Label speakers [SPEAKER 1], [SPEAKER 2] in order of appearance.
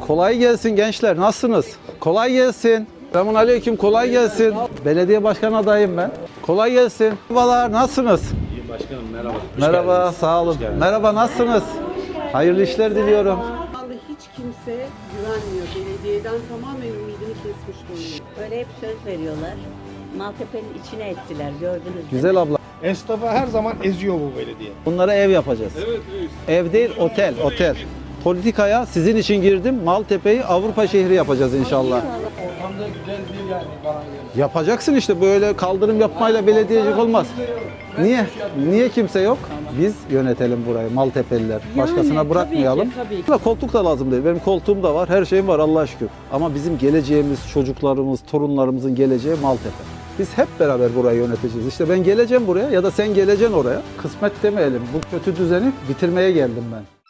[SPEAKER 1] Kolay gelsin gençler. Nasılsınız? Kolay gelsin. Selamünaleyküm. Kolay gelsin. Belediye başkan adayım ben. Kolay gelsin. Merhabalar. Nasılsınız?
[SPEAKER 2] İyiyim başkanım, merhaba.
[SPEAKER 1] Merhaba. Sağ olun. Merhaba. Nasılsınız? Hayırlı işler diliyorum.
[SPEAKER 3] Vallahi hiç kimse güvenmiyor. Belediyeden tamamen ümidini kesmiş durumda.
[SPEAKER 4] Böyle hep söz veriyorlar. Maltepe'nin içine ettiler, gördünüz mü?
[SPEAKER 1] Güzel abla.
[SPEAKER 5] Esnafa her zaman eziyor bu belediye.
[SPEAKER 1] Bunlara ev yapacağız. Evet, ev değil, otel, otel. Politikaya sizin için girdim. Maltepe'yi Avrupa şehri yapacağız inşallah.
[SPEAKER 5] Ortamda güzel bir yani bana göre.
[SPEAKER 1] Yapacaksın işte, böyle kaldırım yapmayla belediyecilik olmaz. Niye? Niye kimse yok? Biz yönetelim burayı, Maltepeliler. Başkasına bırakmayalım.
[SPEAKER 3] tabii ki.
[SPEAKER 1] Koltuk da lazım değil. Benim koltuğum da var, her şeyim var Allah'a şükür. Ama bizim geleceğimiz, çocuklarımız, torunlarımızın geleceği Maltepe. Biz hep beraber burayı yöneteceğiz. İşte ben geleceğim buraya ya da sen geleceksin oraya. Kısmet demeyelim. Bu kötü düzeni bitirmeye geldim ben.